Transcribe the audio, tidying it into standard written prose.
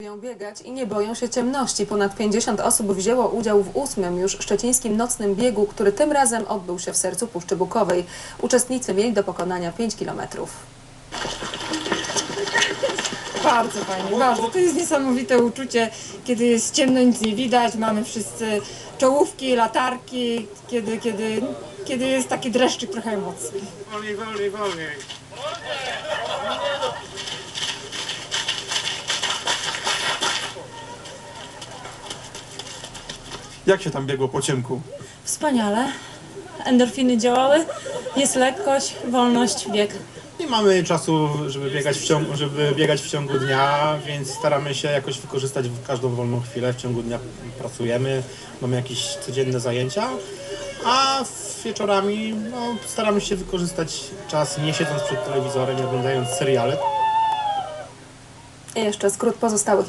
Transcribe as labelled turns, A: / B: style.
A: Lubią biegać i nie boją się ciemności. Ponad 50 osób wzięło udział w 8. już szczecińskim nocnym biegu, który tym razem odbył się w sercu Puszczy Bukowej. Uczestnicy mieli do pokonania 5 kilometrów.
B: Bardzo fajnie, bardzo. To jest niesamowite uczucie, kiedy jest ciemno, nic nie widać, mamy wszyscy czołówki, latarki, kiedy jest taki dreszczyk trochę emocji.
C: Wolniej, wolniej, wolniej.
D: Jak się tam biegło po ciemku?
E: Wspaniale. Endorfiny działały, jest lekkość, wolność, bieg.
C: Nie mamy czasu, żeby biegać w ciągu dnia, więc staramy się jakoś wykorzystać każdą wolną chwilę. W ciągu dnia pracujemy, mamy jakieś codzienne zajęcia, a wieczorami staramy się wykorzystać czas nie siedząc przed telewizorem, nie oglądając seriale.
A: I jeszcze skrót pozostałych